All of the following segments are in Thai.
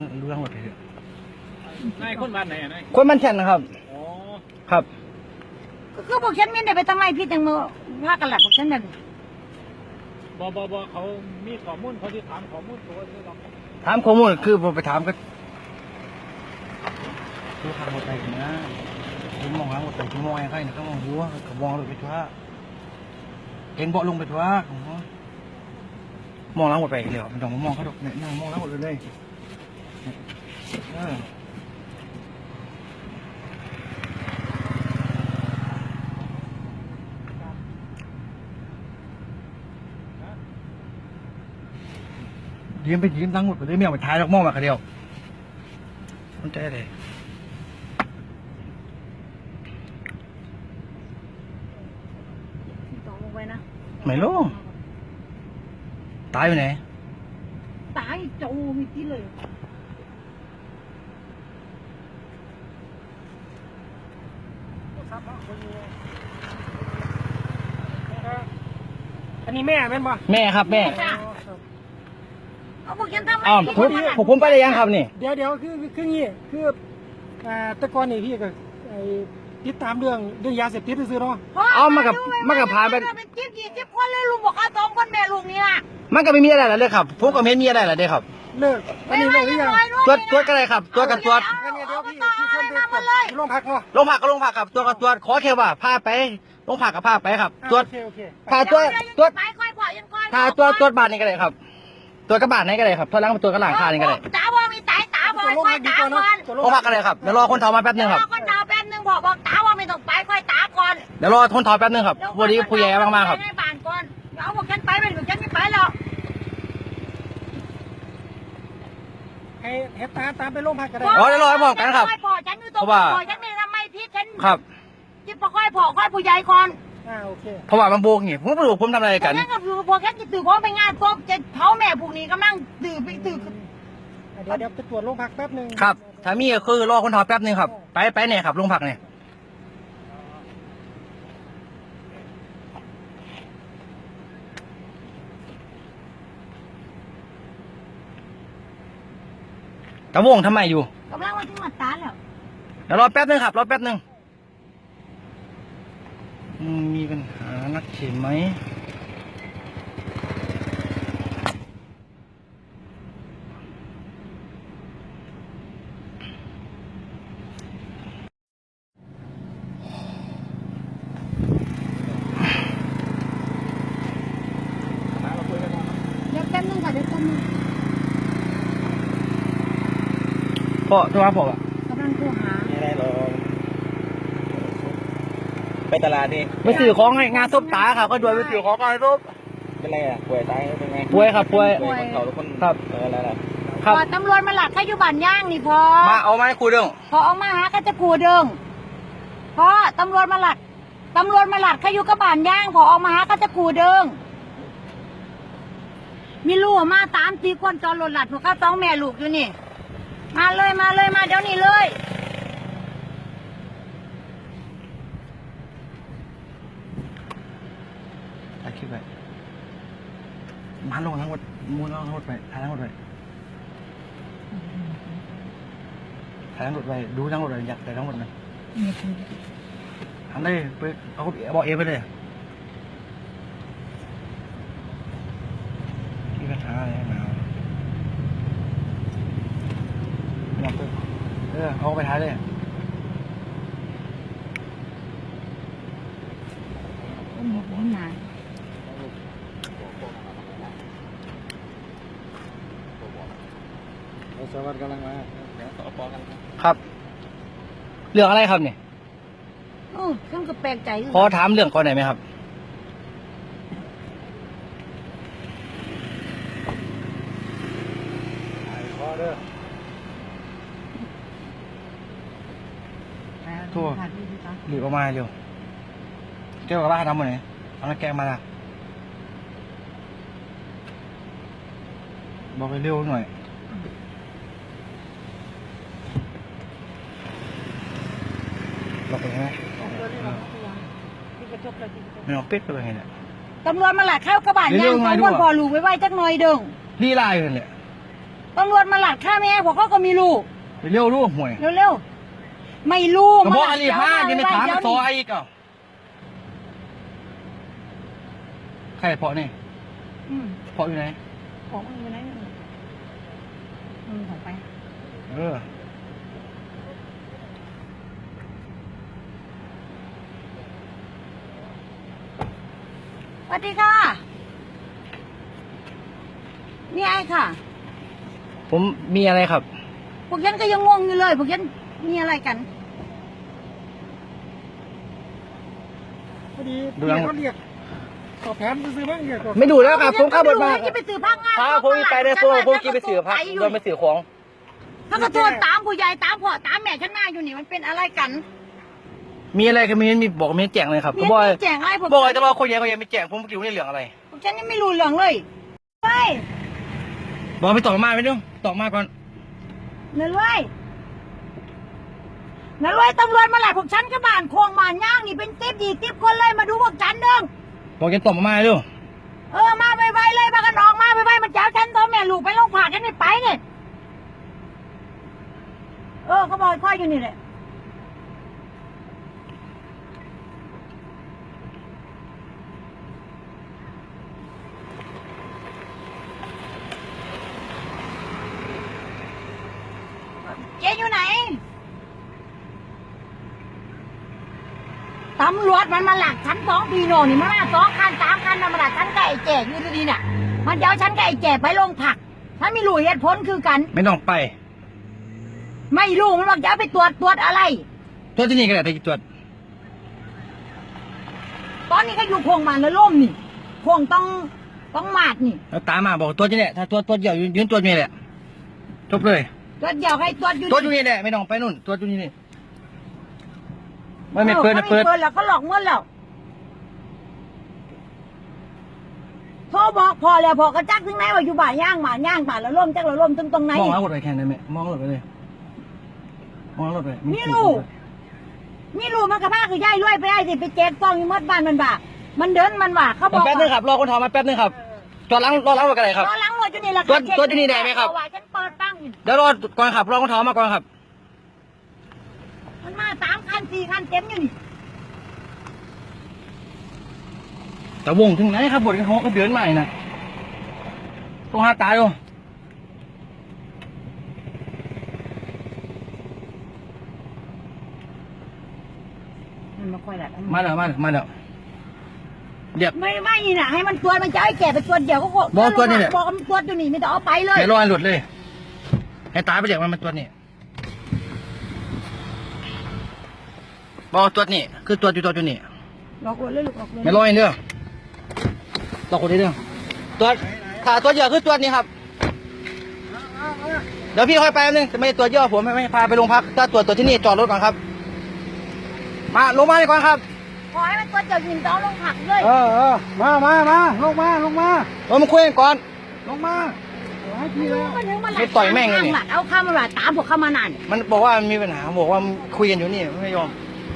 รู้ทั้งหมดเลยนายคนบ้านไหนอ่ะนายคนมันแฉนนะครับอ๋อครับก็บอกฉันไม่ได้ไปทำไมพี่แตงโมพากันหลับบอกฉันนั่นบเขามีข้อมูลเขาที่ถามข้อมูลตัวนี้หรอกถามข้อมูลคือผมไปถามก็ดูทางหมดไปนะผมมองหาหมดไปชั่วโมงไอ้ใครนะเขามองดูเขามองลงไปทั่วเห็นเบาะลงไปทั่วมองหลังหมดไปเลยมันต้องมองเขาดอกเนี่ยนั่งมองหลังหมดเลยยืมไปยืมตั้งหมดไปเลยไม่เอาไปท้ายแล้วมองมาคนเดียวมันใจเลยตกลงไปนะไม่รู้ตายอยู่ไหนตายโจมีที่เลยอันนี้แม่เป็นป่ะแม่ครับแม่เอาบอกฉันทำไมผมไปได้ยังครับนี่เดี๋ยวคืองี้คือแต่ก่อนนี่พี่ก็ติดตามเรื่องยาเสพติดซื้อเนาะเอามากับพาไปเป็นจิ๊บคนเลยลุงบอกเขาสองคนแม่ลุงนี่นะมันก็ไม่มีอะไรหรอกเลยครับพวกก็ไม่มีอะไรหรอกเลยครับเลิกอันนี้เลิกหรือยังตัวก็ได้ครับตัวกับตัวเดี๋ยวพี่ขึ้นไปโรงพักเนาะโรงพักก็โรงพักครับตัวกับตัวขอแค่ว่าพาไปโรงพักกับพาไปครับตัวพาตัวพาตัวบาทนี่ก็ได้ครับตัวกระบาดนี่ก็ได้ครับตัวล้างตัวกระหล่างคานี่ก็ได้ตาบอมีตาบอค่อยตาก่อนโรงพักก็ได้ครับเดี๋ยวรอคนถอมาแป๊บนึงครับคนถอแป๊บนึงบอกตาว่าไม่ต้องไปค่อยตาก่อนเดี๋ยวรอคนถอแป๊บนึงครับวันนี้ผู้ใหญ่มากๆครับให้บ้านก่อนเอาบอกฉันไปเป็นบอกฉันไม่ไปหรอกให้ตามไปโรงพักก็ได้เดี๋ยวรอให้บอกกันครับเพราะว่าฉันไม่ทำไมพี่ฉันครับจิ๊บค่อยผู้ใหญ่ก่อนโอเคเพราะว่ามันโบกนี่ผมไม่รู้ผมทำอะไรกันงั้นก็คือพอแค่ตื่นเพราะไปงานศพจะเผาแม่พวกนี้กำลังตื่นเดี๋ยวไปตรวจโรงพักแป๊บนึงครับถ้ามีก็คือรอคนถอแป๊บนึงครับไปเนี่ยครับโรงพักเนี่ยตะวงทำไมอยู่กำลังมาถึงมาตาแล้วเดี๋ยวรอแป๊บนึงครับรอแป๊บนึงมีปัญหานักเขียนไหมเดี๋ยวแป๊บนึงค่ะเดี๋ยวแป๊บนึงพ่อโทรหาผมอ่ะกำลังโทรหาไม่ได้หรอกไปตลาดนี่ไปซื้อของให้งานซุปตาครับก็ด้วยไปซื้อของงานซุปเป็นไรอ่ะป่วยตายเป็นไงป่วยครับป่วยเขาทุกคนครับอะไรล่ะครับตำรวจมาหลักข้าอยู่บ้านย่างนี่พอมาเอาไม้คูเด้งพอเอามาหาก็จะคูเด้งพอตำรวจมาหลักข้าอยู่กับบ้านย่างพอเอามาหาก็จะคูเด้งมีลูกมาตามตีคนจอรถหลัดพวกเขาต้องแม่ลูกอยู่นี่มาเลยมาเดี๋ยวนี้เลยถ่ายคลิปไปมาลงทั้งหมดมูลทั้งหมดไปถ่ายทั้งหมดไปถ่ายทั้งหมดไปดูทั้งหมดเลยอยากถ่ายทั้งหมดเลยทำได้ไปเอาบอกเอไปเลยที่กระทะอะไรมาเอาไปท้ายเลยสวัสดีกำลังมาเดี๋ยวต่อปอกันครับเรื่องอะไรครับเนี่ยฉันก็แปลกใจขอถามเรื่องก่อนหน่อยไหมครับทั่วหลีบออกมาเร็วเจ้ากับบ้านทำหมดเลยเอาน้ำแกงมาละบอกไปเร็วหน่อยบอกไปไหมไม่เอาเป็ดไปไงเนี่ยตำรวจมาหลักเข้ากระบะย่างของคนพอลูกไว้จักหน่อยเด้งรีไล่กันเลยตำรวจมาหลัดฆ่าแม่ผมก็ไม่รู้ไปเร็วรู้ห่วยเร็วๆไม่รู้กระบอกอันนี้ผ้าจะไม่ถามซอยอีกอ่ะใครเพาะนี่เพาะอยู่ไหนของมันอยู่ไหนของไปเออสวัสดีค่ะนี่ไอ้ค่ะผมมีอะไรครับพวกฉันก็ยังงงอยู่เลยพวกฉันมีอะไรกันพอดีพี่เขาเรียกสอบถามซื้อบ้างเนี่ยไม่ดูแล้วครับผมขับรถมาจะไปสื่อพักงานครับผมไปได้ผมกินไปสื่อพักโดนไปสื่อของถ้าก็โทษตามผู้ใหญ่ตามพ่อตามแม่ฉันมาอยู่นี่มันเป็นอะไรกันมีอะไรก็มีบอกไม่แจ้งเลยครับมีก็บอกแจ้งอะไรผมบอกแต่ว่าคนใหญ่เขายังไม่แจ้งผมอยู่ในเรื่องอะไรพวกฉันยังไม่รู้เรื่องเลยเฮ้ยบอกไปต่อมาไปดูต่อมาก่อนนั่นเลยตำรวจมาหลายพวกฉันก็บ้านโคงบ้านย่างนี่เป็นติ๊บดีติ๊บคนเลยมาดูพวกฉันเด้งบอกจะต่อมาดูมาไวๆเลยมากันออกมาไวๆมันเจ้าฉันตัวแม่ลูกไปโรงพยาบาลฉันไม่ไปเนี่ยเขาบอกค่อยอยู่นี่แหละเจ๊อยู่ไหนตำรวจมันมาหลักฉัน2 ปีโน่นี่มันมา2 คัน 3 คันมันมาหลักฉันกับไอ้แก่อยู่ดีๆน่ะมันเดี๋ยวฉันกับไอ้แก่ไปโรงพักฉันไม่รู้เหตุผลคือกันไม่ต้องไปไม่รู้มันบอกจะเอาไปตรวจอะไรตัวที่นี่ก็ได้แต่ตรวจตอนนี้ก็อยู่โครงมันแล้วล่มนี่โครงต้องมาดนี่แล้วตามมาบอกตัวที่นี่ถ้าตัวเดียวยืนตัวนี้แหละจบเลยตรวจเดียวให้ตรวจอยู่ตัวอยู่นี่แหละไม่ต้องไปนู่นตัวอยู่นี่ไม่เปิดนะเปิเปิดดแล้วก็หลอกเงินแล้วโทรบอกพอแล้วพอกระจักถึงไหนว่าอยู่บ่าย่างบ่าแล้วล่มจักแล้วล่มตรงไหนมองแล้วรถไปแข่งได้ไหมมองรถไปเลยมองรถไปนี่ลูกมันกระพ้าคือย่ายรวยไปได้สิไปแจกซองอยู่มดบ้านมันบ่ามันเดินมันว่าเขาบอกแป๊บนึงครับรอคนทอมาแป๊บนึงครับจอดล้างรอล้างรถกันเลยครับรอล้างรถอยู่นี่แหละตัวที่นี่ได้ไหมครับฉันเปิดตั้งเดี๋ยวรอก่อนครับรอคนทอมาก่อนครับมันมา3 คัน 4 คันเต็มอยู่นี่แต่วงถึงไหนครับบทกันเขาเดินใหม่นะต้องหาตายดูมันมาค่อยละมาเดี๋ยวเดี๋ยวไม่นี่นะให้มันตรวจมันจะให้แก่ไปตรวจเดี๋ยวก็บอกตรวจอยู่นี่ไม่ต้องเอาไปเลยเดี๋ยวรอให้หลุดเลยให้ตายไปเดี๋ยวมันตัวนี้บอกตัวนี้คือตัวอยู่นี่หลอกเลยลูกหลอกเลยไม่รอให้เด้อต่อคนนี้เด้อตัวถ้าตัวเยอะคือตัวนี้ครับเดี๋ยวพี่ค่อยไปแป๊บนึงจะไม่ตัวเยอะผมไม่พาไปโรงพักถ้าตัวที่นี่จอดรถก่อนครับมาลงมาเลยก่อนครับขอให้มันตรวจเดี๋ยวยิงต้องลงผักเลยมาลงมามาคุยกันก่อนลงมาให้พี่แล้วมันถึงมาหลัไม่ต่อยแม่งเลยนี่เอาข้ามาหลัดตามพวกเข้ามานานมันบอกว่ามีปัญหาบอกว่าคุยกันอยู่นี่ไม่ยอม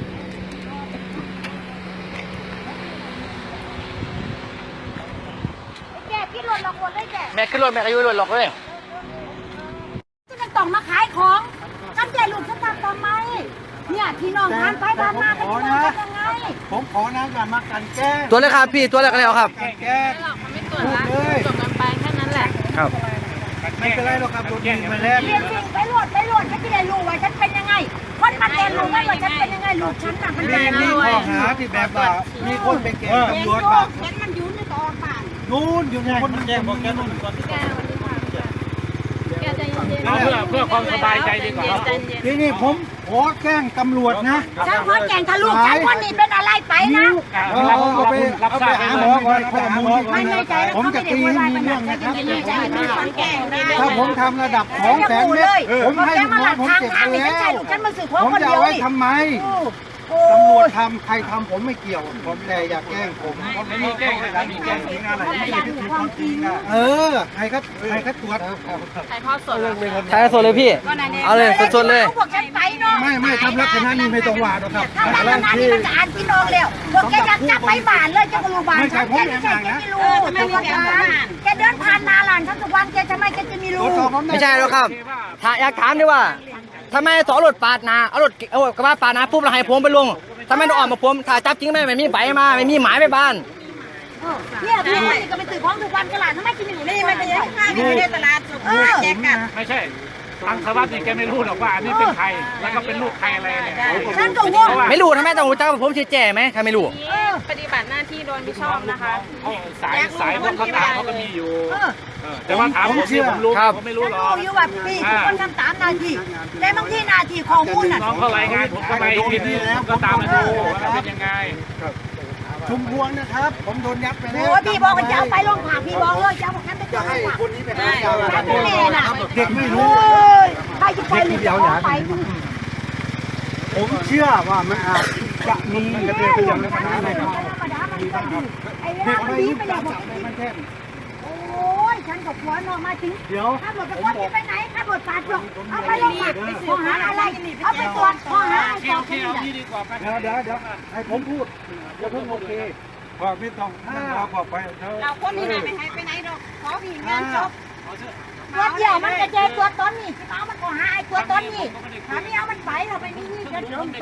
แกพี่หล่นหลอกหมดเลยแกแม่ขึ้นรถแม่ก็อยู่รถหรอกเลยที่มันต้องมาขายของฉันแกลูกฉันทำทำไมเนี่ยพี่น้องทานไปทานมากันจะมายังไงผมขอนะอย่ามากันแกล้งตัวเลยครับพี่ตัวเลยก็แล้วครับกันแกล้งไม่หรอกมันไม่ตรวจละจบกันไปแค่นั้นแหละครับไม่เป็นไรหรอกครับโดนยิงมาแล้วเรียนจริงไปโหลดฉันจะได้รู้ว่าฉันเป็นยังไงคนมันเรียนรู้ว่าฉันเป็นยังไงลูกฉันน่ะมันเป็นมีข้อหาที่แบบว่ามีคนไปแกล้งตำรวจบ้างฉันมันอยู่ในต่อป่านนู่นอยู่ในคนแกล้งบอกแกนู่นแกวันนี้ค่ะแกใจเย็นๆเพื่อความสบายใจดีกว่าใจเย็นทีนี้ผมขอแกล้งตำรวจนะฉันขอแก่งทะลุฉันคนนี้เป็นอะไรไปนะเอาไปหาหมอก่อนข้อมูลไม่ในใจแล้วผมเขาจะไม่ได้ตีพูดอะไรมีมันเรื่องจะนะครับยินดีใจมันฟังแก่งได้ถ้าผมทำระดับ200,000 เมตรผมให้ลูกน้องผมเก็บไปแล้วฉันมาสื่อผมคนจะเดียวเอาไว้นี่ทำไมโอ้ตำรวจทำใครทำผมไม่เกี่ยวผมแต่อย่าแกล้งผมไม่มีแกล้งอะไรมีแกล้งจริงอะไรเออใครก็ตรวจๆถ่ายทอดสดถ่ายสดเลยพี่ เอาเลยสดๆเลยพวกฉันไปเนาะไม่ทำลักษณะนี้ไม่ต้องว่าหรอกครับถ้าลักษณะนี้มันจะอ่านพี่น้องแล้วพวกแกอยากจับไปบ้านเลยจะก็รู้บ้านฉันแกไม่ใช่แกไม่รู้แต่ว่าแกเดินผ่านนาหลานฉันทุกวันแกทำไมแกจะไม่รู้ไม่ใช่หรอกครับถ้าอยากถามดีว่าทำไมต่อรถปาดหนาเอารถกระบะปาดหนาปุ๊บแล้วให้ผมไปลงทำไมต้องออกมาผมถ้าจับจริงไม่มีใบมาไม่มีหมายไปบ้านเนี่ยพี่ก็ไปซื้อของทุกวันกันหลานทำไมจะไม่รู้นี่มันจะยังข้างอยู่ในตลาดแจกกันไม่ใช่ทางสวัสดิ์นี่แกไม่รู้หรอกว่าอันนี้เป็นใครแล้วก็เป็นลูกใครอะไรเนี่ยฉันก็งงไม่รู้ทำไมต้องรู้จักว่าผมชื่อแจ้ไหมใครไม่รู้ปฏิบัติหน้าที่โดยไม่ชอบนะคะสายพวกเขาตามเขาก็มีอยู่แต่ว่าถามผมที่ผมรู้ผมไม่รู้หรอกรู้อยู่ว่าพี่ทุกคนทำตามหน้าที่แต่บางทีหน้าที่ข้อมูลน่ะน้องเขารายงานผมก็ไปทีนี้ผมก็ตามมาดูว่าเป็นยังไงชุมพวงนะครับ ผมโดนยัดไปแล้วโอ้พี่บอกว่าจะเอาไปโรงพักพี่บอกเลยจะเอาฉันไปโรงพักคนนี้ไปหาเจ้าฉันเป็นแม่น่ะเด็กไม่รู้ใครจะไปหรือจะเอาไปผมเชื่อว่ามันอาจจะมีกระเทือนเรื่องอะไรครับไอ้เรื่องนี้ไปแล้วมันแค่โอ้ยฉันกับผัวนอนมาถึงเดี๋ยวขับรถกับคนที่ไปไหนขับรถปาดหรอกเอาไปโรงพักข้อหาอะไรเอาไปตรวจข้อหาอะไรต่อไปเอาที่ดีกว่าเดี๋ยวให้ผมพูดอย่าเพิ่งโอเคบอกไม่ต้องเราบอกไปเถอะเราคนนี้หายไปไปไหนดอกขอผีงานจบตัวเดียวมันกระเจายตัวต้นนี่เอามันก็หาไอ้ตัวต้นนี่ถ้าไม่เอามันไปเราไปนี่จะเดินไป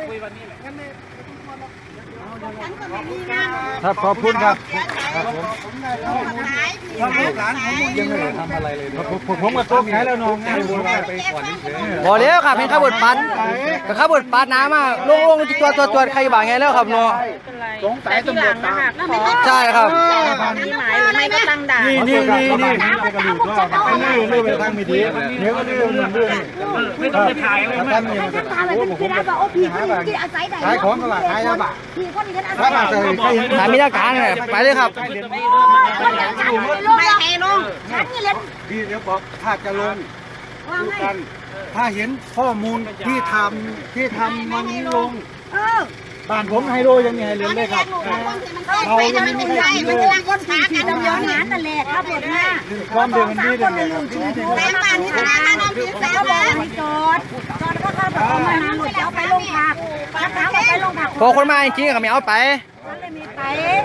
ฉันก็ไม่มีงานครับขอบคุณครับขายถ้าลูกหลานผมยังไม่ได้ทำอะไรเลยผมก็ต้มขายแล้วน้องไงผมไปก่อนเฉยบอกแล้วครับเป็นข้าวบดปัดก็ข้าวบดปัดน้ำมาลงตัวใครบ้างไงแล้วครับเนาะสงสัยตำรวจตามใช่ครับมีหมายหรือไม่ก็ตั้งด่านนี่ไปทางไม่ดีเดี๋ยวก็เรื่องมันเรื่องไม่ต้องไปถ่ายเลยท่านนี่ฉันถามเลยพี่นะว่าโอ้พี่คนนี้ที่อาศัยไหนขายของตลาดขายยาบ้าพี่คนนี้ฉันอาศัถ้าย มาใส่ใครเห็นถ้ามีหลักฐานเนี่ยไปเลยครับคนอย่างฉันไม่ให้ลงฉันนี่เล่นพี่เดี๋ยวบอกถ้าจะลงว่าไงกันถ้าเห็นข้อมูลที่ทำวันนี้ลงบ้านผมไฮโลยังมีไฮเลนเลยครับเรายังไม่มีใครเลยคนขากันดำเนินงานนั่นแหละครับผมนะความเดือดมันดีคนเลละยลุงชื่อแม่บ้านที่ธนาคารน้ำพิษเขาบอกให้จอดก็เขาบอกเอามานานหมดจะเอาไปโรงพักแล้วถามว่าไปโรงพักพอคนมาจริงๆก็ไม่เอาไปมันเลยมีไป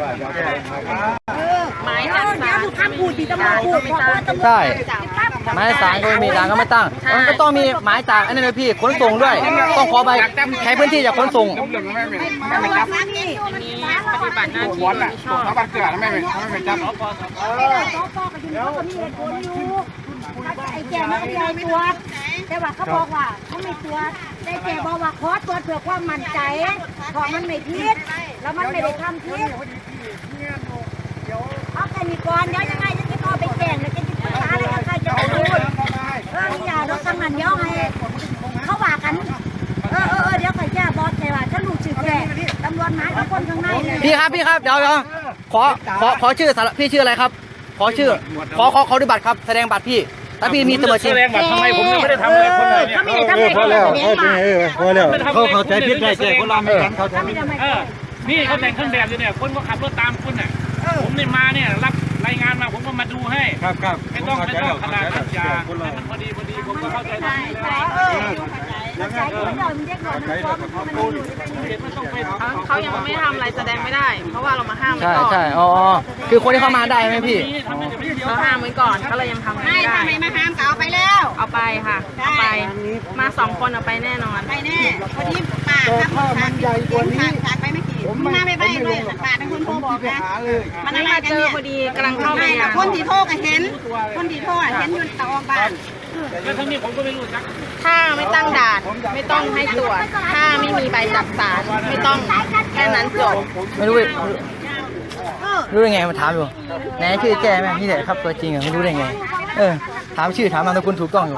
หมายจับเดี๋ยวดูคำพูดที่ตำรวจพูดบอกว่าตำรวจใช่หมายสารก็ไม่มีด่านก็ไม่ตั้งมันก็ต้องมีหมายจากอันนี้เลยพี่ขนส่งด้วย ต้องขอใบใช้พื้นที่จากขนส่งตำรวจมาที่มีปฏิบัติหน้าที่โดยไม่ชอบเขาบังเกิดไม่ไปจับสปก็อยู่เขาก็มีเหตุผลอยู่ไอ้แก่มันก็ยอมตรวจแต่ว่าเขาบอกว่าเขาไม่ตรวจแต่แก่บอกว่าขอตรวจเพื่อความมั่นใจเพราะมันไม่ผิดแล้วมันไม่ได้ทำผิดเอาแค่นี้ก่อนเดี๋ยวยังไงจะติดต่อไปแจ้งแล้วจะติดต่ออะไรกับใครจะรู้อย่าเราทำงานเดี๋ยวให้เขาว่ากันเดี๋ยวใครแจ้บอสใช่ว่าฉันรู้ชื่อแกตำรวจหมายทุกคนข้างในเลยพี่ครับเดี๋ยวขอชื่อพี่ชื่ออะไรครับ ขอชื่อขอดูบัตรครับแสดงบัตรพี่ถ้าพี่มีตำรวจจริงแสดงบัตรทำไมผมยังไม่ได้ทำอะไรคนเลยเนี่ยเขาไม่ได้ทำอะไรเขาเลยแสดงบัตรพอแล้วเขาเข้าใจผิดได้แก่คนเราไม่กันเขาใจผิดนี่เขาแต่งเครื่องแบบอยู่เนี่ยคนก็ขับรถตามคุณน่ะผมเนี่ยมาเนี่ยรับรายงานมาผมก็มาดูให้ครับไม่ต้องขนาดนั้นอย่าให้มันพอดีผมก็เข้าใจได้ไม่ต้องไปเขายังไม่ทำอะไรแสดงไม่ได้ เพราะว่าเรามาห้ามไว้ใช่ก่อนใช่อ๋อคือคนที่เข้ามาได้ไหมพี่เราห้ามไว้ก่อนก็เลยยังทำไม่ได้ทำไมมาห้ามก็เอาไปแล้วเอาไปค่ะเอาไปมา2 คนเอาไปแน่นอนไปแน่พอดีป้าครับจากไปไม่กี่มาไม่ไปเลยป้าเป็นคนโทรบอกนะมันมาเจอพอดีกำลังเข้าไปคนที่โทรก็เห็นคนที่โทรเห็นอยู่ตะออกบ้านแล้วทั้งนี้ผมก็ไม่รู้จักถ้าไม่ตั้งด่านไม่ต้องให้ตรวจถ้าไม่มีใบจับสารไม่ต้องแค่นั้นจบไม่รู้รู้ได้ไงมาถามอยู่ไหนชื่อแจ้ไหมนี่แหละครับตัวจริงอะไม่รู้ได้ไงถามชื่อถามนามสกุลถูกต้องอยู่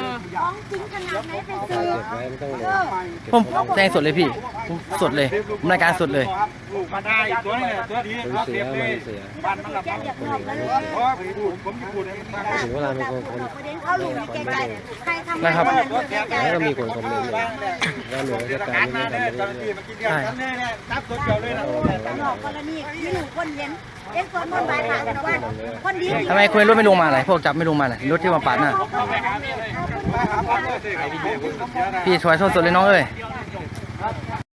ผมแจ้งสดเลยพี่ผมสดเลยผมรายการสดเลยมาได้ตัวนี้ตัวดีเสียเลยบ้านมันหลับเพราะผมจะพูดให้มันฟังถึงเวลามีคนเขารู้ในใจใครทำนะครับแล้วก็มีคนคอมเมนต์เลยว่าหน่วยราชการไม่ทำอะไรเลยใช่ตลอดกรณีที่หนูคนเห็นเอ็งสวดมนต์บาทหาว่าคนดีทำไมคุณรถไม่ลงมาอะไรพวกจับไม่ลงมาเลยรถที่มาปาดหน้าพี่ช่วยโทษสุดเลยน้องเอ้ยเ